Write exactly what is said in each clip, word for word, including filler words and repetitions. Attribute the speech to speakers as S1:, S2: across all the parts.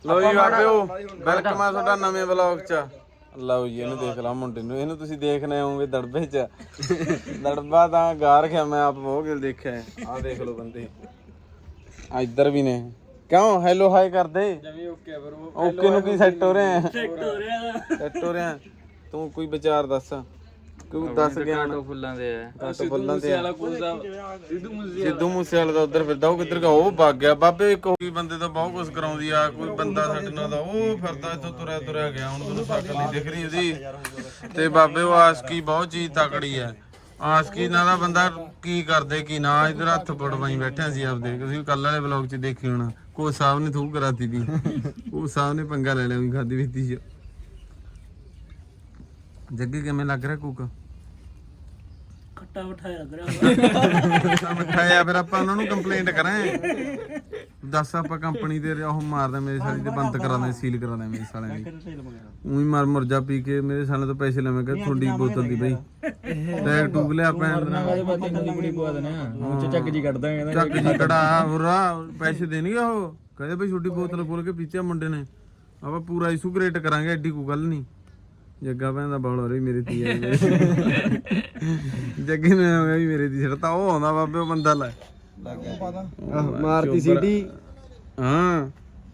S1: ਲਓ ਜੀ ਬਾਬਿਓ ਵੈਲਕਮ ਆ ਤੁਹਾਡਾ ਨਵੇਂ ਵਲੌਗ ਚ। ਲਓ ਜੀ ਇਹਨੂੰ ਦੇਖ ਲਾ ਮੁੰਡੇ ਨੂੰ, ਇਹਨੂੰ ਤੁਸੀਂ ਦੇਖਣੇ ਹੋਵੋਗੇ ਦੜਬੇ ਚ। ਦੜਬਾ ਤਾਂ ਗਾ ਰੱਖਿਆ ਮੈਂ ਆਪ ਬਹੁਤ ਗਿਲ ਦੇਖਿਆ। ਆਹ ਦੇਖ ਲਓ ਬੰਦੇ ਇੱਧਰ ਵੀ ਨੇ। ਕਿਉਂ ਹੈਲੋ ਹਾਈ ਕਰਦੇ ਓਕੇ ਬ్రో। ਓਕੇ ਨੂੰ ਕੀ ਸੈੱਟ ਹੋ ਰਿਹਾ? ਸੈੱਟ ਹੋ ਰਿਹਾ ਸੈੱਟ ਹੋ ਰਿਹਾ। ਤੂੰ ਕੋਈ ਵਿਚਾਰ ਦੱਸ, ਕੋਈ ਦੱਸ ਗਿਆ। ਕਾਟੋ ਫੁੱਲਾਂ ਦੇ ਆ, ਕਾਟੋ ਫੁੱਲਾਂ ਦੇ ਆ। ਸਿੱਧੂ ਮੂਸੇ ਵਾਲਾ ਦਾ ਉਧਰ ਫਿਰਦਾ, ਉਹ ਕਿੱਧਰ ਗਿਆ? ਉਹ ਭੱਗ ਗਿਆ ਬਾਬੇ। ਕੋਈ ਬੰਦੇ ਤਾਂ ਬਹੁਤ ਕੁਛ ਕਰਾਉਂਦੀ ਆ, ਕੋਈ ਬੰਦਾ ਸਾਡੇ ਨਾਲ ਦਾ ਉਹ ਫਿਰਦਾ ਇੱਥੋਂ ਤੁਰਿਆ ਤੁਰਿਆ ਗਿਆ। ਹੁਣ ਤੁਹਾਨੂੰ ਸ਼ਕਲ ਨਹੀਂ ਦਿਖ ਰਹੀ ਉਹਦੀ। ਤੇ ਬਾਬੇ ਉਹ ਆਸ਼ਕੀ ਬਹੁਤ ਚੀਜ਼ ਤਕੜੀ ਆ। ਆਸ਼ਕੀ ਨਾਲ ਦਾ ਬੰਦਾ ਕੀ ਕਰਦੇ ਕੀ ਨਾ। ਇੱਧਰ ਹੱਥ ਪੜਵਾਈ ਬੈਠਿਆ ਸੀ ਆਪਦੇ, ਤੁਸੀਂ ਕੱਲ ਵਾਲੇ ਵਲੌਗ ਚ ਦੇਖੀ ਹੋਣਾ। ਕੋਚ ਸਾਹਿਬ ਨੇ ਥੂ ਕਰਾਤੀ ਤੀ, ਉਹ ਸਾਹਿਬ ਨੇ ਪੰਗਾ ਲੈ ਲਿਆ ਵੀ ਖਾਦੀ ਪੀਤੀ ਚ। ਜੱਗੇ ਕਿਵੇਂ ਲੱਗ ਰਿਹਾ ਕੁੱਕ?
S2: ਖੱਟਾ ਮਿਠਾਈ ਲੱਗ ਰਿਹਾ।
S1: ਮਿਠਾਇਆ ਫਿਰ ਆਪਾਂ ਉਹਨਾਂ ਨੂੰ ਕੰਪਲੇਂਟ ਕਰਾਂ। ਦੱਸ ਆਪਾਂ ਕੰਪਨੀ ਦੇ ਉਹ ਮਾਰਦਾ ਮੇਰੇ ਸਾਲੇ ਤੇ ਬੰਦ ਕਰਾਉਂਦੇ, ਸੀਲ ਕਰਾਉਂਦੇ ਮੇਰੇ ਸਾਲਿਆਂ ਦੀ। ਉਹੀ ਮਰ ਮੁਰਜਾ ਪੀ ਕੇ ਮੇਰੇ ਸਾਲੇ ਤੋਂ ਪੈਸੇ ਲਵੇਂ ਕਿ ਤੁਹਾਡੀ ਬੋਤਲ ਦੀ ਬਈ ਟੈਗ ਟੂਬ ਲਿਆ ਪੈਣ
S2: ਚੱਕ ਜੀ ਕੱਢ ਦਾਂਗੇ।
S1: ਚੱਕ ਜੀ ਕੜਾ ਹੋਰਾ ਪੈਸੇ ਦੇਣਗੇ ਉਹ। ਕਹਿੰਦੇ ਬਈ ਛੋਟੀ ਬੋਤਲ ਖੋਲ ਕੇ ਪੀਤੀ ਮੁੰਡੇ ਨੇ। ਆਪਾਂ ਪੂਰਾ ਇਸ਼ੂ ਕ੍ਰੀਏਟ ਕਰਾਂਗੇ, ਐਡੀ ਕੋਈ ਗੱਲ ਨਹੀਂ। ਜੱਗਾ ਭੈਣ ਦਾ ਬੌਲ ਹੋ ਰਹੀ ਮੇਰੇ ਤੀ ਜੱਗੇ ਨੇ ਹੋ ਗਿਆ ਵੀ ਮੇਰੇ ਦੀ ਛੜਤਾ। ਉਹ ਆਉਂਦਾ ਬਾਬੇ ਉਹ ਬੰਦਾ ਲੈ
S3: ਮਾਰਤੀ ਸੀਟੀ।
S1: ਹਾਂ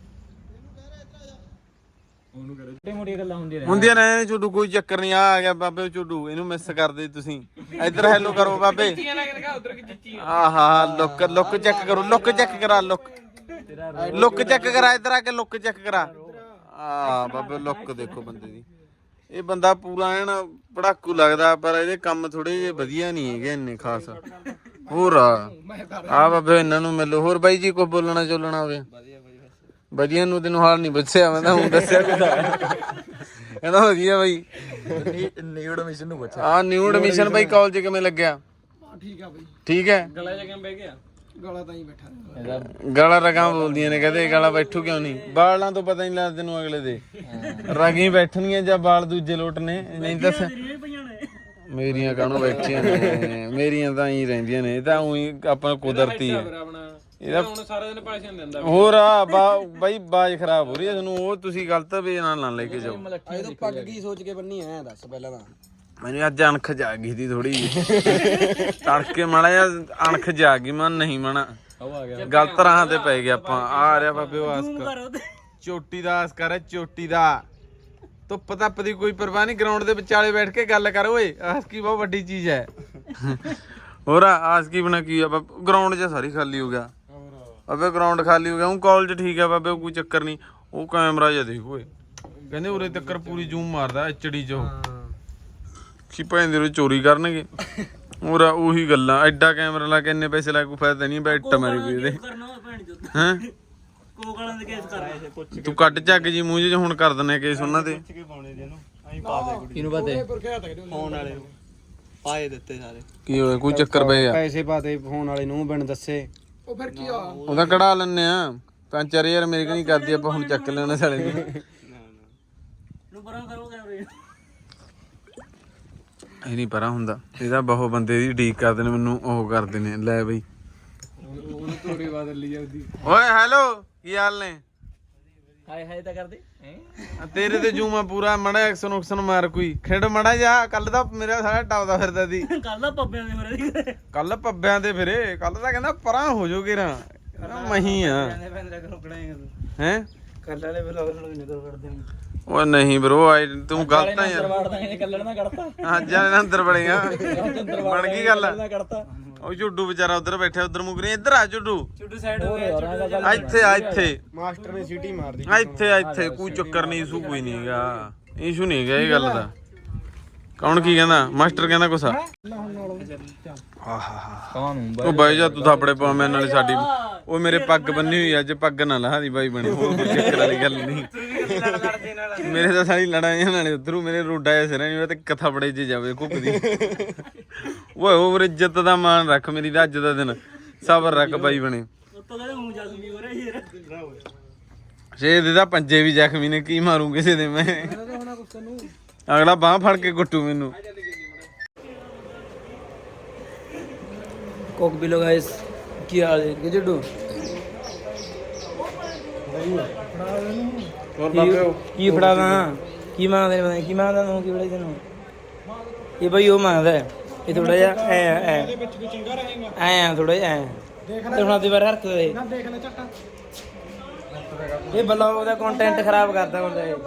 S2: ਮੋਟੀਆਂ ਗੱਲਾਂ ਹੁੰਦੀਆਂ ਨੇ
S1: ਹੁੰਦੀਆਂ ਨੇ ਝੁੱਡੂ, ਕੋਈ ਚੱਕਰ ਨਹੀਂ। ਆ ਆ ਗਿਆ ਬਾਬੇ ਝੁੱਡੂ, ਇਹਨੂੰ ਮਿਸ ਕਰਦੇ ਤੁਸੀਂ। ਇੱਧਰ ਹੈਲੋ ਕਰੋ ਬਾਬੇ। ਆਹਾ ਲੁੱਕ ਲੁੱਕ ਚੈੱਕ ਕਰੋ, ਲੁੱਕ ਚੈੱਕ ਕਰਾ, ਲੁੱਕ ਲੁੱਕ ਚੈੱਕ ਕਰਾ। ਇੱਧਰ ਆ ਕੇ ਲੁੱਕ ਚੈੱਕ ਕਰਾ। ਆ ਬਾਬੇ ਲੁੱਕ ਦੇਖੋ ਬੰਦੇ ਦੀ। ਇਹ ਬੰਦਾ ਪੂਰਾ ਐਨ ਪੜਾਕੂ ਲੱਗਦਾ, ਪਰ ਇਹਦੇ ਕੰਮ ਥੋੜੇ ਜਿਹੇ ਵਧੀਆ ਨਹੀਂ ਹੈਗੇ ਇੰਨੇ ਖਾਸ। ਹੋਰ ਆ ਆ ਬਾਬੇ ਇਹਨਾਂ ਨੂੰ ਮਿਲੋ। ਹੋਰ ਬਾਈ ਜੀ ਕੋਈ ਬੋਲਣਾ ਚੋਲਣਾ ਹੋਵੇ? ਵਧੀਆ ਨੂੰ ਤੈਨੂੰ ਹਾਲ ਨਹੀਂ ਪੁੱਛਿਆ, ਮੈਂ ਤਾਂ ਹੁਣ ਦੱਸਿਆ ਕਿਦਾ। ਕਹਿੰਦਾ ਵਧੀਆ ਬਾਈ।
S3: ਨਿਊ ਐਡਮਿਸ਼ਨ ਨੂੰ ਪੁੱਛਿਆ।
S1: ਆ ਨਿਊ ਐਡਮਿਸ਼ਨ ਬਾਈ ਕਾਲਜ ਕਿਵੇਂ ਲੱਗਿਆ?
S3: ਠੀਕ ਆ ਬਾਈ।
S1: ਠੀਕ ਹੈ।
S2: ਗਲਾ ਜਾ ਕਿਵੇਂ ਬਹਿ ਗਿਆ?
S3: ਗਲਾ ਤਾਂ ਹੀ ਬੈਠਾ।
S1: ਗਾਲਾਂ ਰਗਾਂ ਬੋਲਦੀਆਂ ਨੇ, ਕਹਿੰਦੇ ਗਾਲਾਂ ਬੈਠੂ ਕਿਉਂ ਨਹੀਂ? ਬਾਲਾਂ ਤੋਂ ਪਤਾ ਨਹੀਂ ਲੱਗਦਾ ਤੈਨੂੰ ਅਗਲੇ ਦੇ। ਰਗੀ ਬੈਠਣੀਆਂ ਜਾਂ ਬਾਲ ਦੂਜੇ ਲੋਟ ਨੇ? ਨਹੀਂ ਦੱਸ ਮੇਰੀਆਂ ਕਾਹਨੂੰ ਬੈਠੀਆਂ ਨੇ? ਮੇਰੀਆਂ ਤਾਂ ਹੀ ਰਹਿੰਦੀਆਂ ਨੇ। ਇਹ ਤਾਂ ਉਹੀ ਆਪਾਂ ਕੁਦਰਤੀ ਆ। ਇਹਦਾ ਹੁਣ ਸਾਰਾ ਦਿਨ ਪੈਸੇ ਨਹੀਂ ਦਿੰਦਾ। ਹੋਰ ਆ ਬਾਈ ਬਾਜ ਖਰਾਬ ਹੋ ਰਹੀ ਹੈ ਤੁਹਾਨੂੰ। ਉਹ ਤੁਸੀਂ ਗਲਤ ਵੇ ਨਾਲ ਨਾ ਲੈ ਕੇ ਜਾਓ।
S3: ਇਹ ਤਾਂ ਪੱਗ ਕੀ ਸੋਚ ਕੇ ਬੰਨੀ ਐ ਦੱਸ ਪਹਿਲਾਂ ਤਾਂ।
S1: ਮੈਨੂੰ ਅੱਜ ਅਣਖ ਜਾ ਗਈ ਸੀ ਥੋੜੀ ਜਿਹੀ। ਤੜਕੇ ਮਾੜਾ ਜਿਹਾ ਅਣਖ ਜਾ ਗਈ। ਮੈਂ ਨਹੀਂ ਮਣਾ ਗਲਤ ਰਾਹਾਂ ਤੇ ਪੈ ਗਿਆ ਆਪਾਂ। ਆ ਰਿਹਾ ਬਾਬੇ ਉਹ ਆਸਕ ਚੋਟੀ ਦਾ ਆਸ ਕਰ, ਚੋਟੀ ਦਾ। ਧੁੱਪ ਧੱਪ ਦੀ ਕੋਈ ਪਰਵਾਹ ਨਹੀਂ। ਗਰਾਊਂਡ ਦੇ ਵਿਚਾਲੇ ਬੈਠ ਕੇ ਗੱਲ ਕਰ ਓਏ। ਆਸਕੀ ਬਹੁਤ ਵੱਡੀ ਚੀਜ਼ ਹੈ। ਹੋਰ ਆਸਕੀ ਬਣਾ ਕੀ ਆ? ਗਰਾਊਂਡ 'ਚ ਸਾਰੀ ਖਾਲੀ ਹੋ ਗਿਆ ਬਾਬੇ, ਗਰਾਊਂਡ ਖਾਲੀ ਹੋ ਗਿਆ। ਉਹ ਕਾਲਜ ਠੀਕ ਆ ਬਾਬੇ, ਕੋਈ ਚੱਕਰ ਨਹੀਂ। ਉਹ ਕੈਮਰਾ ਜਿਹਾ ਦੇਖ ਓਏ, ਕਹਿੰਦੇ ਉਰੇ ਤੱਕ ਪੂਰੀ ਜ਼ੂਮ ਮਾਰਦਾ ਐਚਡੀ 'ਚ। ਕੀ ਭੈਣ ਦੇ ਚੋਰੀ ਕਰਨਗੇ। ਹੋਰ ਉਹੀ ਗੱਲਾਂ। ਐਡਾ ਕੈਮਰਾ ਲਾ ਕੇ ਇੰਨੇ ਪੈਸੇ ਲਾ ਕੇ ਕੋਈ ਫਾਇਦਾ ਨਹੀਂ। ਬੈਠ ਮਾਰੀ ਕੋਈ ਇਹਦੇ ਹੈਂ। ਤੂੰ ਕੱਟ ਚੱਕ ਜੀ ਮੂੰਹ 'ਚ ਹੁਣ ਕਰ ਦਿੰਦੇ ਕੇਸ ਉਹਨਾਂ ਤੇ।
S2: ਇਹਨੂੰ ਪਤਾ ਫੋਨ ਵਾਲੇ ਨੂੰ ਪਾਏ ਦਿੱਤੇ ਸਾਰੇ।
S1: ਕੀ ਹੋਇਆ? ਕੋਈ ਚੱਕਰ ਪਏ ਆ?
S3: ਪੈਸੇ ਪਾਤੇ ਫੋਨ ਵਾਲੇ ਨੂੰ ਬਿਨ ਦੱਸੇ। ਉਹ ਫਿਰ ਕੀ ਆ?
S1: ਉਹਦਾ ਕਢਾ ਲੈਣੇ ਆ ਪੰਜ ਚਾਰ ਹਜ਼ਾਰ ਮੇਰੇ ਕੋਲ ਨਹੀਂ ਕਰਦੀ। ਆਪਾਂ ਹੁਣ ਚੱਕ ਲੈਣਾ ਸਾਲੇ ਨੂੰ। ਇਹ ਨਹੀਂ ਪਰਾਂ ਹੁੰਦਾ। ਇਹਦਾ ਬਹੁਤ ਬੰਦੇ ਦੀ ਡੀਕ ਕਰਦੇ ਨੇ, ਮੈਨੂੰ ਉਹ ਕਰਦੇ ਨੇ। ਲੈ ਬਈ ਓਏ ਹੈਲੋ ਕੀ ਹਾਲ ਨੇ?
S2: ਹਾਏ ਹਾਏ ਤਾਂ ਕਰਦੇ
S1: ਤੇਰੇ ਤੇ ਜੂਮਾ ਪੂਰਾ। ਮੜਾ ਐਕਸ਼ਨ ਉਕਸ਼ਨ ਮਾਰ ਕੋਈ ਖੇਡ ਮੜਾ ਜਾ। ਕੱਲ ਦਾ ਮੇਰਾ ਸਾਰਾ ਟੱਪਦਾ ਫਿਰਦਾ ਸੀ।
S2: ਕੱਲ ਦਾ ਪੱਬਿਆਂ ਦੇ ਮੇਰੇ
S1: ਕੱਲ ਪੱਬਿਆਂ ਤੇ ਫਿਰੇ। ਕੱਲ ਤਾਂ ਕਹਿੰਦਾ ਪਰਾਂ ਹੋ ਜਾਓਗੇ ਰਾਂ ਮਹੀ ਆ ਹੈ।
S2: ਕੱਲ ਵਾਲੇ ਵਲੋਗ ਨੂੰ ਨਿਕਲ ਕਰਦੇ ਨੇ।
S1: ਉਹ ਨਹੀਂ ਬ్రో ਆਈ ਤੂੰ ਗਲਤ ਆ ਯਾਰ।
S2: ਕੱਲੜ ਨਾ ਕੱਢਤਾ
S1: ਅੱਜ ਇਹਨਾਂ ਅੰਦਰ ਬੜੇਗਾ ਬਣ ਗਈ ਗੱਲ।
S2: ਕੱਢਤਾ
S1: ਉਹ ਝੁੱਡੂ ਵਿਚਾਰਾ ਉਧਰ ਬੈਠਾ, ਉਧਰ ਮੁਕਰੀ। ਇੱਧਰ ਆ ਝੁੱਡੂ।
S2: ਝੁੱਡੂ ਸਾਈਡ ਹੋ ਗਿਆ।
S1: ਇੱਥੇ ਆ ਇੱਥੇ
S3: ਮਾਸਟਰ ਨੇ ਸੀਟੀ ਮਾਰਦੀ।
S1: ਇੱਥੇ ਇੱਥੇ ਕੋਈ ਚੱਕਰ ਨਹੀਂ। ਇਸ਼ੂ ਕੋਈ ਨਹੀਂ ਹੈਗਾ। ਇਸ਼ੂ ਨਹੀਂ ਹੈਗਾ ਇਹ ਗੱਲ ਦਾ। ਕੌਣ ਕੀ ਕਹਿੰਦਾ? ਮਾਸਟਰ ਕਹਿੰਦਾ ਕੁਛ।
S2: ਕੌਣ ਹੁੰਦਾ?
S1: ਉਹ ਬਾਈ ਜਾ ਤੂੰ ਥਾਪੜੇ ਪਾ ਮੈਂ ਨਾਲੇ ਸਾਡੀ। ਉਹ ਮੇਰੇ ਪੱਗ ਬੰਨੀ ਹੋਈ ਅੱਜ। ਪੱਗ ਨਾ ਲਾਹ ਦੀ ਬਾਈ ਬਣੀ। ਹੋਰ ਕੋਈ ਚੱਕਰ ਵਾਲੀ ਗੱਲ ਨਹੀਂ। ਮੇਰੇ ਤਾਂ ਸਾਰੀ ਲੜਾਈਆਂ ਨਾਲੇ ਉਧਰੋਂ ਮੇਰੇ ਰੋਡਾ ਜਿਹਾ ਸਿਰ ਨਹੀਂ। ਤੇ ਕਥਾਪੜੇ 'ਚ ਜਾਵੇ ਘੁੱਕਦੀ। ਓਏ ਹੋਰ ਇੱਜ਼ਤ ਦਾ ਮਾਣ ਰੱਖ ਮੇਰੀ ਦਾ। ਅੱਜ ਦਾ ਦਿਨ ਸਬਰ ਰੱਖ ਬਾਈ ਬਣੇ। ਸ਼ੇਰ ਦੇ ਤਾਂ ਪੰਜੇ ਵੀ ਜ਼ਖਮੀ ਨੇ। ਕੀ ਮਾਰੂ ਕਿਸੇ ਦੇ ਮੈਂ? ਅਗਲਾ ਬਾਂਹ ਫੜ ਕੇ ਕੁੱਟੂ ਮੈਨੂੰ।
S2: ਕੋਕ ਵੀ ਲੋ ਗਾਇਸ। ਕੀ ਹਾਲ ਹੈ? ਕਿ ਜੱਡੂ
S1: ਹੋਰ ਬਾਬੇ
S4: ਕੀ ਫੜਾਦਾ ਕੀ ਮੰਗਦੇ ਨੇ ਕੀ ਮੰਗਦਾ ਤੂੰ ਕੀ ਫੜਾਈ ਤੈਨੂੰ ਇਹ ਬਈ ਉਹ ਮੰਗਦਾ ਇਹ ਥੋੜਾ ਜਿਹਾ ਐ ਐ ਇਹਦੇ ਵਿੱਚ ਵੀ ਚੰਗਾ ਰਹੇਗਾ ਐ ਥੋੜਾ ਜਿਹਾ ਐ ਦੇਖ ਲੈ ਹੁਣ ਦੀ ਵਾਰ ਹਰਕਤ ਦੇ ਨਾ ਦੇਖ ਲੈ ਝੱਟਾ ਇਹ ਬਲੌਗ ਦਾ ਕੰਟੈਂਟ ਖਰਾਬ ਕਰਦਾ ਹੁੰਦਾ ਇਹ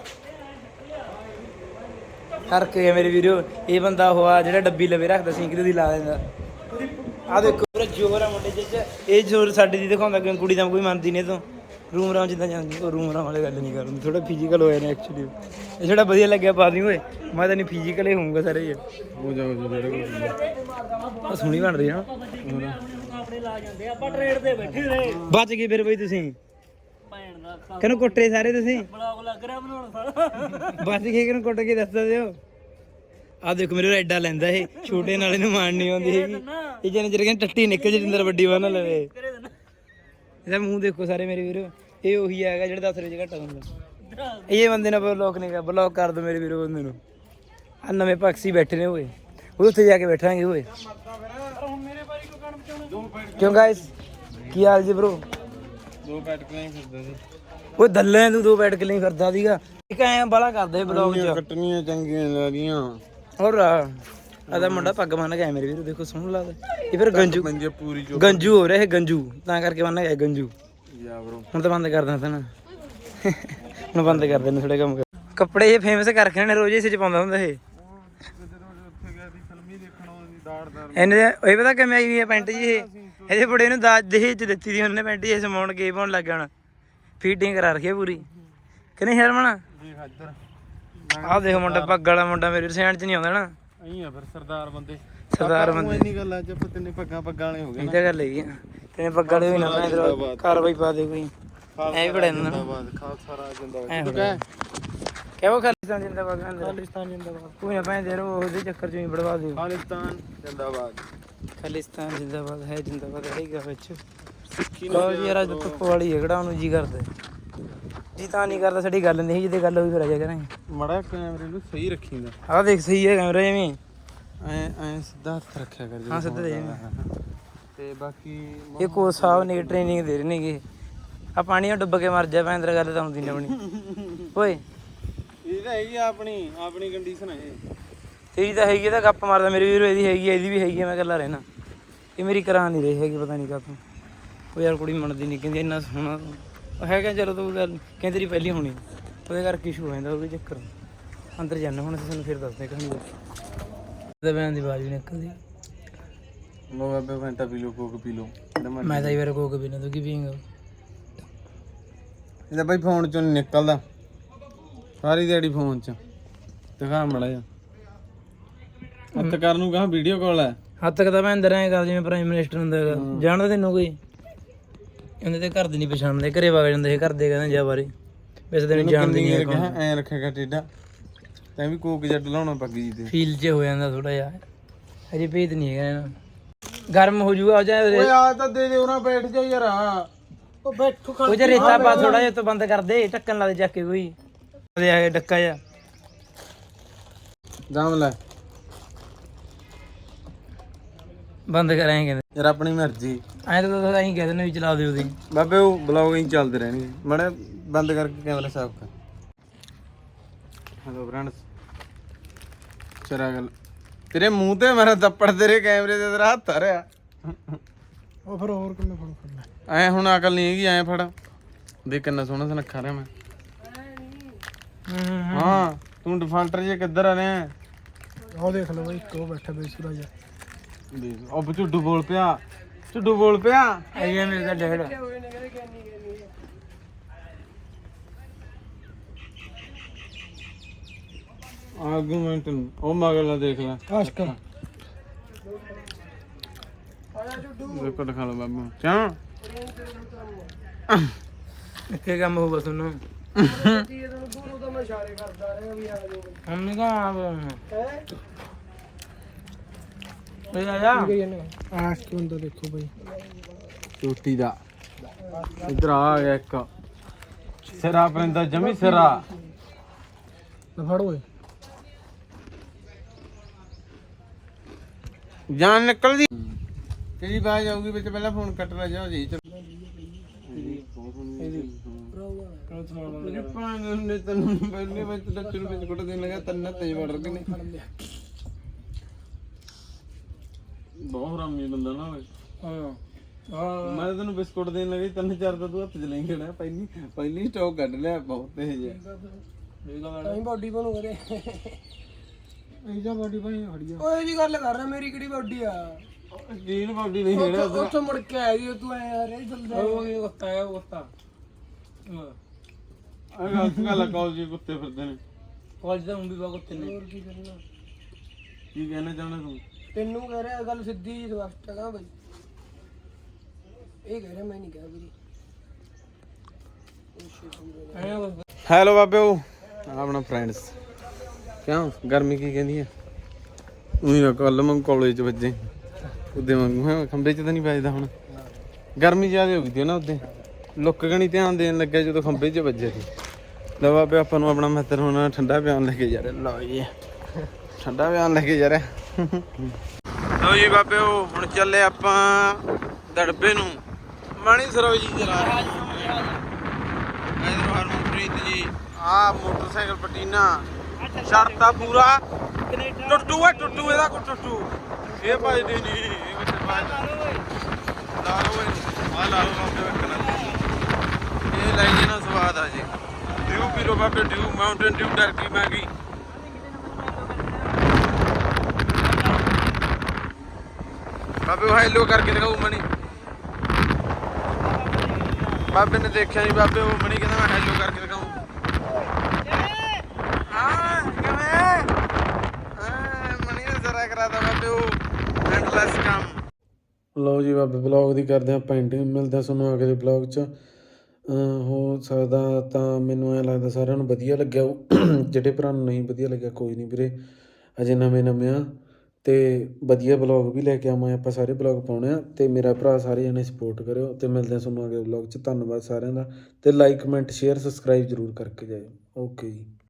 S4: ਕਰਕੇ ਮੇਰੇ ਵੀਰੋ ਇਹ ਬੰਦਾ ਹੋਆ ਜਿਹੜਾ ਡੱਬੀ ਲਵੇ ਰੱਖਦਾ ਸੀ ਕਿਤੇ ਦੀ ਲਾ ਦਿੰਦਾ ਆ ਦੇਖੋ ਪੂਰਾ ਜੋਰ ਆ ਮੁੰਡੇ ਚ ਇਹ ਜੋਰ ਸਾਡੇ ਦੀ ਦਿਖਾਉਂਦਾ ਕਿ ਕੁੜੀ ਤਾਂ ਕੋਈ ਮੰਨਦੀ ਨਹੀਂ ਤੂੰ ਰੂਮ ਰਾਮ ਜਿੱਦਾਂ ਜਾਂਦੀ ਉਹ ਰੂਮ ਰਾਮ ਵਾਲੇ ਗੱਲ ਨਹੀਂ ਕਰਨੀ ਥੋੜਾ ਫਿਜ਼ੀਕਲ ਹੋਇਆ ਨੇ ਐਕਚੁਅਲੀ ਇਹ ਥੋੜਾ ਵਧੀਆ ਲੱਗਿਆ ਪਾ ਦੀ ਓਏ ਮੈਂ ਤਾਂ ਨਹੀਂ ਫਿਜ਼ੀਕਲ ਹੀ ਹੋਊਂਗਾ ਸਾਰੇ ਇਹ
S1: ਹੋ ਜਾ ਹੋ ਜਾ ਜਿਹੜੇ
S4: ਆ ਸੋਹਣੀ ਬਣ ਰਹੀ ਹੈ ਨਾ ਆਪਣੇ ਲਾ ਜਾਂਦੇ ਆਪਾਂ ਟ੍ਰੇਡ ਤੇ ਬੈਠੇ ਰਹੇ ਬਚ ਗਏ ਫਿਰ ਬਈ ਤੁਸੀਂ ਭੈਣ ਦਾ ਕਿਹਨੂੰ ਕੁੱਟੇ ਸਾਰੇ ਤੁਸੀਂ ਬਲੌਗ ਲੱਗ ਰਿਹਾ ਬਣਾਉਣ ਸਾਰਾ ਬਚ ਗਏ ਕਿਹਨੂੰ ਕੁੱਟ ਕੇ ਦੱਸ ਦਿਓ ਆ ਦੇਖੋ ਮੇਰੇ ਐਡਾ ਲੈਂਦਾ ਇਹ ਛੋਟੇ ਨਾਲੇ ਨੂੰ ਮਾਣ ਨਹੀਂ ਆਉਂਦੀ ਹੈਗੀ ਇਹ ਜਨ ਜਿਹੜੇ ਕਹਿੰਦੇ ਟੱਟੀ ਨਿਕਲ ਜਿੰਦਰ ਵੱਡੀ ਬੰਨ ਲਵੇ ਇਹਦਾ ਮੂੰਹ ਦੇਖੋ ਸਾਰੇ ਮੇਰੇ ਵੀਰੋ ਇਹ ਉਹੀ ਹੈਗਾ ਜਿਹੜਾ ਦਸ ਰੁਪਏ ਘੱਟ ਹੁੰਦਾ ਇਹ ਬੰਦੇ ਨੇ ਬਲੌਕ ਨਹੀਂ ਕਰ ਬਲੌਕ ਕਰ ਦੋ ਮੇਰੇ ਵੀਰੋ ਬੰਦੇ ਨੂੰ ਆ ਨਵੇਂ ਪਕਸੀ ਬੈਠੇ ਨੇ ਓਏ ਉਹ ਉੱਥੇ ਜਾ ਕੇ ਬੈਠਾਂਗੇ ਓਏ ਕਿਉਂ ਗਾਇਸ ਕੀ ਹਾਲ ਜੀ ਬ్రో
S1: ਦੋ ਪੈਟ ਕਿਵੇਂ ਫਿਰਦਾ ਸੀ
S4: ਉਹ ਦੱਲੇ ਤੂੰ ਦੋ ਬੈਠ ਕੇ ਨਹੀਂ ਫਿਰਦਾ ਸੀਗਾ ਇੱਕ ਐ ਬਾਲਾ ਕਰਦੇ ਬਲੌਗ ਚ
S1: ਕੱਟਣੀਆਂ ਚੰਗੀਆਂ ਲੱਗੀਆਂ
S4: ਹੋਰ ਆਦਾ ਮੁੰਡਾ ਪੱਗ ਬੰਨ ਗਿਆ ਮੇਰੇ ਵੀਰੋ ਦੇਖੋ ਸੋਹਣਾ ਲੱਗਦਾ ਇਹ ਫਿਰ ਗੰਜੂ
S1: ਮੰਜੇ ਪੂਰੀ ਚੋ
S4: ਗੰਜੂ ਹੋ ਰਿਹਾ ਇਹ ਗੰਜੂ ਤਾਂ ਕਰਕੇ ਬੰਨ ਗਿਆ ਗੰਜੂ
S1: ਜਾ ਬ్రో
S4: ਹੁਣ ਤਾਂ ਬੰਦ ਕਰ ਦਿੰਦਾ ਨਾ ਹੁਣ ਬੰਦ ਕਰ ਦਿੰਦੇ ਥੋੜੇ ਕੰਮ ਕੱਪੜੇ ਇਹ ਫੇਮਸ ਕਰ ਰੱਖੇ ਨੇ ਰੋਜ਼ ਇਸੇ ਚ ਪਾਉਂਦਾ ਹੁੰਦਾ ਇਹ ਇਹਨੇ ਇਹ ਪਤਾ ਕਿਵੇਂ ਆਈ ਹੈ ਪੈਂਟ ਜੀ ਇਹ ਇਹਦੇ ਬੜੇ ਨੂੰ ਦਾਜ ਦਹੇਜ ਚ ਦਿੱਤੀ ਦੀ ਉਹਨੇ ਪੈਂਟ ਜੀ ਸਮਾਉਣ ਕੇ ਪਾਉਣ ਲੱਗ ਜਾਣਾ ਫੀਟਿੰਗ ਕਰਾ ਰੱਖੀ ਪੂਰੀ ਕਿ ਨਹੀਂ ਹਰਮਨ ਆਹ ਦੇਖ ਮੁੰਡਾ ਪੱਗ ਵਾਲਾ ਮੁੰਡਾ ਮੇਰੇ ਸੈਂਡ ਚ ਨਹੀਂ ਆਉਂਦਾ ਨਾ
S1: ਅਹੀਂ ਆ ਫਿਰ ਸਰਦਾਰ ਬੰਦੇ
S4: ਸਰਦਾਰ ਬੰਦੇ
S1: ਇੰਨੀ ਗੱਲ ਅੱਜ ਆਪਾਂ ਤਿੰਨੇ ਪੱਗਾਂ ਪੱਗਾਂ ਵਾਲੇ ਹੋ ਗਏ
S4: ਇਹ ਤਾਂ ਗੱਲ ਹੈਗੀ ਤੇਨੇ ਪੱਗ ਵਾਲੇ ਹੋਈ ਨਾ ਮੈਂ ਇਧਰ ਕਾਰਵਾਈ ਪਾ ਦੇ ਕੋਈ ਐ ਬੜੇ ਨਾ
S1: ਖਾਲਸਾ ਰਾਜ ਜਿੰਦਾਬਾਦ
S4: ਕਿਹੋ ਖਾਲਿਸਤਾਨ ਜਿੰਦਾਬਾਦ ਖਾਲਿਸਤਾਨ ਜਿੰਦਾਬਾਦ ਕੋਈ ਨਾ ਪੈਂਦੇ ਰੋ ਉਹਦੇ ਚੱਕਰ ਚੋਂ ਹੀ ਬੜਵਾ ਦਿਓ
S1: ਖਾਲਿਸਤਾਨ ਜਿੰਦਾਬਾਦ
S4: ਖਾਲਿਸਤਾਨ ਜਿੰਦਾਬਾਦ ਹੈ ਜਿੰਦਾਬਾਦ ਹੈਗਾ ਵਿੱਚ ਲੋ ਜੀ ਯਾਰ ਅੱਜ ਧੁੱਪ ਵਾਲੀ ਹੈ ਕਿਹੜਾ ਉਹਨੂੰ ਜੀ ਕਰਦਾ ਜੀ ਤਾਂ ਨਹੀਂ ਕਰਦਾ ਸਾਡੀ ਗੱਲ ਨਹੀਂ ਜਿਹਦੇ ਗੱਲ ਹੋਈ ਫਿਰ ਆ ਜਾ ਕਰਾਂਗੇ
S1: ਮੜਾ ਕੈਮਰੇ ਨੂੰ ਸਹੀ ਰੱਖੀਂਦਾ
S4: ਆਹ ਦੇਖ ਸਹੀ ਹੈ ਕੈਮਰਾ ਜਿਵੇਂ
S1: ਐ ਐ ਸਿੱਧਾ ਹੱਥ ਰੱਖਿਆ ਕਰ
S4: ਹਾਂ ਸਿੱਧਾ ਦੇ
S1: ਤੇ ਬਾਕੀ
S4: ਇਹ ਕੋਚ ਸਾਹਿਬ ਨੇ ਟ੍ਰੇਨਿੰਗ ਦੇ ਰਹੇ ਨੇਗੇ ਆ ਪਾਣੀ ਨਾਲ ਡੁੱਬ ਕੇ ਮਰ ਜਾ ਭੈਂਦਰ ਗੱਲ ਤਾਂ ਹੁੰਦੀ ਨਹੀਂ ਆਪਣੀ ਓਏ
S1: ਇਹ ਤਾਂ ਹੈਗੀ ਆਪਣੀ ਆਪਣੀ ਕੰਡੀਸ਼ਨ ਹੈ ਇਹ
S4: ਤੇਰੀ ਤਾਂ ਹੈਗੀ ਤਾਂ ਗੱਪ ਮਾਰਦਾ ਮੇਰੇ ਵੀਰੋ ਇਹਦੀ ਹੈਗੀ ਇਹਦੀ ਵੀ ਹੈਗੀ ਮੈਂ ਇਕੱਲਾ ਰਹਿਣਾ ਇਹ ਮੇਰੀ ਕਰਾ ਨਹੀਂ ਰਹੀ ਹੈਗੀ ਪਤਾ ਨਹੀਂ ਕਾਹਤੋਂ ਉਹ ਯਾਰ ਕੁੜੀ ਮੰਨਦੀ ਨਹੀਂ ਕਹਿੰਦੀ ਇੰਨਾ ਸੋਹਣਾ ਉਹ ਹੈਗਾ ਚਲੋ ਤੂੰ ਗੱਲ ਕਹਿੰਦੀ ਤੇਰੀ ਪਹਿਲੀ ਹੋਣੀ ਉਹਦੇ ਕਰਕੇ ਇਸ਼ੂ ਹੋ ਜਾਂਦਾ ਉਹਦੇ ਚੱਕਰ ਅੰਦਰ ਜਾਣਾ ਹੁਣ ਅਸੀਂ ਤੁਹਾਨੂੰ ਫਿਰ ਦੱਸਦੇ ਕਹਾਣੀ ਦਾ ਬਿਆਨ ਦੀ ਆਵਾਜ਼ ਵੀ ਨਿਕਲਦੀ
S1: ਲੋ ਬਾਬੇ ਫੈਂਟਾ ਪੀ ਲੋ ਕੋਕ ਪੀ ਲੋ
S4: ਮੈਂ ਤਾਂ ਇਹ ਵਾਰ ਕੋਕ ਪੀਣਾ ਤੂੰ ਕੀ ਪੀਂਗਾ
S1: ਇਹਦਾ ਬਾਈ ਫੋਨ ਚੋਂ ਨੀ ਨਿਕਲਦਾ ਸਾਰੀ ਦਿਹਾੜੀ ਫੋਨ ਚ ਦਿਖਾ ਮੜਾ ਜਾ ਹੱਥ ਕਰਨ ਨੂੰ ਕਹਾਂ ਵੀਡੀਓ ਕਾਲ ਹੈ
S4: ਹੱਦ ਤੱਕ ਤਾਂ ਮੈਂ ਅੰਦਰ ਐਂ ਕਰ ਜਿਵੇਂ ਪ੍ਰਾਈਮ ਮਿਨਿਸਟਰ ਹੁੰਦਾ ਹੈਗਾ ਜਾਣਦਾ ਤੈਨੂੰ ਕੋਈ ਉਹਦੇ ਤੇ ਘਰ ਦੇ ਨਹੀਂ ਪਛਾਣਦੇ ਘਰੇ ਵਗ ਜਾਂਦੇ ਸੀ ਘਰ ਦੇ ਕਹਿੰਦੇ ਜਾ ਬਾਰੇ ਵੈਸੇ ਤੈਨੂੰ ਜਾਣਦੇ ਨਹੀਂ
S1: ਕਹਾਂ ਐ ਰੱਖੇਗਾ ਟੇਡਾ ਤੈਂ ਵੀ ਕੋਕ ਜੱਟ ਲਾਉਣਾ ਪੱਗੀ ਜੀ ਤੇ
S4: ਫੀਲ ਚ ਹੋ ਜਾਂਦਾ ਥੋੜਾ ਜਿਹਾ ਹਜੇ ਭੇਤ ਨਹੀਂ ਹੈਗਾ ਨਾ ਗਰਮ ਹੋ ਜੂਗਾ ਜਾਂ
S1: ਓਏ ਆ ਤਾਂ ਦੇ ਦੇ ਉਹਨਾਂ ਬੈਠ ਜਾ ਯਾਰ
S4: ਉਹ ਬੈਠੋ ਉਹ ਜੇ ਰੇਤਾ ਪਾ ਥੋੜਾ ਜਿਹਾ ਤੋਂ ਬੰਦ ਕਰ ਦੇ ਢੱਕਣ ਲਾ ਦੇ ਚੱਕ ਕੇ ਕੋਈ ਦੇ ਆ ਡੱਕਾ ਜਾ
S1: ਦਮ ਲੈ
S4: ਬੰਦ ਕਰਾਂਗੇ ਕਹਿੰਦੇ
S1: ਯਾਰ ਆਪਣੀ ਮਰਜ਼ੀ
S4: ਐਂ ਤਾਂ ਤੁਸੀਂ ਐਂ ਕਹਿ ਦਿੰਦੇ ਵੀ ਚਲਾ ਦਿਓ ਉਹਦੀ
S1: ਬਾਬੇ ਉਹ ਬਲੌਗ ਹੀ ਚੱਲਦੇ ਰਹਿਣਗੇ ਮੜਾ ਬੰਦ ਕਰਕੇ ਕੈਮਰਾ ਸਾਫ ਕਰ ਹੈਲੋ ਫਰੈਂਡਸ ਚਰਾ ਗੱਲ ਤੇਰੇ ਮੂੰਹ ਤੇ ਮੇਰਾ ਥੱਪੜ ਤੇਰੇ ਕੈਮਰੇ ਤੇ ਤੇਰਾ ਹੱਥ ਆ ਰਿਹਾ
S3: ਉਹ ਫਿਰ ਹੋਰ ਕਿੰਨੇ ਫੜ ਫੜਨਾ
S1: ਐ ਹੁਣ ਅਕਲ ਨਹੀਂ ਹੈਗੀ ਐ ਫੜ ਦੇਖ ਕਿੰਨਾ ਸੋਹਣਾ ਸੁਨੱਖਾ ਰਿਹਾ ਮੈਂ ਹਾਂ ਤੂੰ ਡਿਫਾਲਟਰ ਜੇ ਕਿੱਧਰ ਆ ਰਿਹਾ
S3: ਉਹ ਦੇਖ ਲਓ ਬਈ ਇੱਕ ਉਹ ਬੈਠਾ ਬੇਸੁਰਾ ਜਿਹਾ
S1: ਦੇਖ ਉਹ ਝੁੱਡੂ ਬੋਲ ਪਿਆ ਝੁੱਡੂ ਬੋਲ ਪਿਆ
S4: ਇਹ ਮੇਰੇ ਦਾ ਡੈਡ
S1: ਆਰਗੂਮੈਂਟ ਉਹ ਮਗਲਾ ਦੇਖ ਲੈ
S3: ਆਸ਼ਕ
S1: ਦੇਖੋ ਦਿਖਾ ਲਓ ਬਾਬੂ ਕਿਉਂ
S4: ਇੱਥੇ ਕੰਮ ਹੋਊਗਾ ਤੁਹਾਨੂੰ ਹਮ ਨਹੀਂ ਕਹਾਂ ਇਹ ਆ ਜਾ
S3: ਆਸ਼ਕ ਬੰਦਾ ਦੇਖੋ ਬਈ
S1: ਚੋਟੀ ਦਾ ਇਧਰ ਆ ਗਿਆ ਇੱਕ ਸਿਰਾ ਪਰਿੰਦਾ ਜਮੀ ਸਿਰਾ
S3: ਨਾ ਫੜ ਓਏ
S1: ਜਾਨ ਨਿਕਲਦੀ ਕਿਹੜੀ ਬਾਜ ਆਊਗੀ ਵਿੱਚ ਪਹਿਲਾਂ ਫੋਨ ਕੱਟ ਲੈ ਜਾ ਜੀ ਮੇਰੀ ਭੈਣ ਨੇ ਤੈਨੂੰ ਪਹਿਲੇ ਵਿੱਚ ਡੱਚੂ ਨੂੰ ਬਿਸਕੁਟ ਦੇਣ ਲੱਗਾ ਤੰਨਾ ਤੇ ਵੜ ਕੇ ਨੇ ਬਹੁਤ ਹਰਾਮੀ ਬੰਦਾ ਨਾ ਹੋਵੇ।
S3: ਹਾਂ
S1: ਮੈਂ ਤੈਨੂੰ ਬਿਸਕੁਟ ਦੇਣ ਲੱਗਾ ਤਿੰਨ ਚਾਰ ਤਾਂ ਤੂੰ ਹੱਥ 'ਚ ਲੈ ਖੜਾ ਪਹਿਲੀ ਪਹਿਲੀ ਸਟਾਕ ਕੱਢ ਲਿਆ ਬਹੁਤ ਤੇਜ਼ ਹੈ।
S3: ਨਹੀਂ ਬਾਡੀ ਬਣੂ ਕਰੇ ਇਹਦਾ ਬਾਡੀ ਬਣੀ ਖੜੀ ਆ ਓਏ ਜੀ ਗੱਲ ਕਰ ਰਿਹਾ ਮੇਰੀ ਕਿਹੜੀ ਬਾਡੀ ਆ
S1: ਜੀਨ ਬਾਡੀ ਨਹੀਂ ਖੜਾ
S3: ਉੱਥੋਂ ਮੁੜ ਕੇ ਆਇਆ ਜੀ ਤੂੰ ਐ ਯਾਰ ਇਹ ਚੱਲਦਾ
S4: ਉਹ ਇਹ ਕੁੱਤਾ ਹੈ ਉਹ ਕੁੱਤਾ
S1: ਆ ਗਲਤ ਗੱਲ ਆ ਕਾਲਜ ਕੁੱਤੇ ਫਿਰਦੇ ਨੇ
S4: ਕਾਲਜ ਦਾ ਵੀ ਬਹੁਤ ਕੁੱਤੇ ਨੇ
S3: ਹੋਰ ਕੀ ਕਰਨਾ
S1: ਕੀ ਕਹਿਣਾ ਚਾਹੁੰਦਾ ਤੂੰ
S3: ਤੈਨੂੰ ਕਹਿ ਰਿਹਾ ਗੱਲ ਸਿੱਧੀ ਜੀ ਸਪਸ਼ਟ ਹੈਗਾ ਬਈ ਇਹ ਕਹਿ ਰਿਹਾ ਮੈਂ ਨਹੀਂ ਕਿਹਾ ਵੀਰੇ
S1: ਹੈਲੋ ਬਾਬਿਓ ਆਪਣਾ ਫਰੈਂਡਸ ਕਿਉਂ ਗਰਮੀ ਕੀ ਕਹਿੰਦੀ ਹੈ ਉਹੀ ਨਾ ਕੱਲ ਮੈਂ ਕਾਲਜ 'ਚ ਵੱਜੇ ਉਹਦੇ ਵਾਂਗੂ ਹੈ ਖੰਭੇ 'ਚ ਤਾਂ ਨਹੀਂ ਵੱਜਦਾ ਹੁਣ ਗਰਮੀ ਜ਼ਿਆਦਾ ਹੋ ਗਈ ਸੀ ਨਾ ਉਹਦੇ ਲੁੱਕ ਗਣੀ ਧਿਆਨ ਦੇਣ ਲੱਗਿਆ ਜਦੋਂ ਖੰਭੇ 'ਚ ਵੱਜੇ ਸੀ ਲੈ ਬਾਬੇ ਆਪਾਂ ਨੂੰ ਆਪਣਾ ਮਿੱਤਰ ਹੁਣ ਠੰਡਾ ਪਿਆਉਣ ਲੈ ਕੇ ਜਾ ਰਿਹਾ ਲਓ ਜੀ ਠੰਡਾ ਪਿਆਉਣ ਲੈ ਕੇ ਜਾ ਰਿਹਾ ਲਓ ਜੀ ਬਾਬਿਓ ਹੁਣ ਚੱਲੇ ਆਪਾਂ ਦੜਬੇ ਨੂੰ ਮਣੀ ਸਰੋ ਜੀ ਚਲਾ ਰਿਹਾ ਇਧਰ ਹਰਮਨਪ੍ਰੀਤ ਜੀ ਆ ਮੋਟਰਸਾਈਕਲ ਪਟੀਨਾ ਸ਼ਰਤਾ ਪੂਰਾ ਟੁੱਟੂ ਹੈ ਟੁੱਟੂ ਇਹਦਾ ਕੋ ਟੁੱਟੂ ਇਹ ਭਜਦੀ ਨਹੀਂ ਇਹ ਕਿੱਥੇ ਭਜ ਲਾ ਲਓ ਆ ਲਾ ਲਓ ਬਾਬੇ ਵੇਖਣਾ ਇਹ ਲੈ ਜੀ ਨਾ ਸਵਾਦ ਆ ਜੀ ਡਿਊ ਪੀ ਲੋ ਬਾਬੇ Dew Mountain Dew turkey Maggi ਬਾਬੇ ਹਾਈਲੋ ਕਰਕੇ ਦਿਖਾਉ ਮਣੀ ਬਾਬੇ ਨੇ ਦੇਖਿਆ ਨਹੀਂ ਬਾਬੇ ਉਹ ਮਣੀ ਕਹਿੰਦਾ ਮੈਂ ਹੈਲੋ ਕਰਕੇ ਦਿਖਾਉਂ ਹਾਂ ਕਿਵੇਂ ਹਾਂ ਮਣੀ ਨੇ ਜ਼ਰਾ ਕਰਾਤਾ ਬਾਬੇ ਉਹ ਐਂਡਲੈਸ ਕੰਮ ਲਓ ਜੀ ਬਾਬੇ ਬਲੌਗ ਦੀ ਕਰਦੇ ਹਾਂ ਪੈਂਟਿੰਗ ਮਿਲਦਾ ਤੁਹਾਨੂੰ ਅਗਲੇ ਬਲੌਗ 'ਚ ਹੋ ਸਕਦਾ ਤਾਂ ਮੈਨੂੰ ਐਂ ਲੱਗਦਾ ਸਾਰਿਆਂ ਨੂੰ ਵਧੀਆ ਲੱਗਿਆ ਜਿਹੜੇ ਭਰਾ ਨੂੰ ਨਹੀਂ ਵਧੀਆ ਲੱਗਿਆ ਕੋਈ ਨਹੀਂ ਵੀਰੇ ਅਜੇ ਨਵੇਂ ਨਵੇਂ ਆ ਅਤੇ ਵਧੀਆ ਬਲੌਗ ਵੀ ਲੈ ਕੇ ਆਵਾਂ ਆਪਾਂ ਸਾਰੇ ਬਲੌਗ ਪਾਉਣੇ ਆ ਅਤੇ ਮੇਰਾ ਭਰਾ ਸਾਰੇ ਜਣੇ ਸਪੋਰਟ ਕਰਿਓ ਅਤੇ ਮਿਲਦੇ ਹਾਂ ਤੁਹਾਨੂੰ ਅਗਲੇ ਬਲੌਗ 'ਚ ਧੰਨਵਾਦ ਸਾਰਿਆਂ ਦਾ ਅਤੇ ਲਾਈਕ ਕਮੈਂਟ ਸ਼ੇਅਰ ਸਬਸਕ੍ਰਾਈਬ ਜ਼ਰੂਰ ਕਰਕੇ ਜਾਇਓ ਓਕੇ ਜੀ।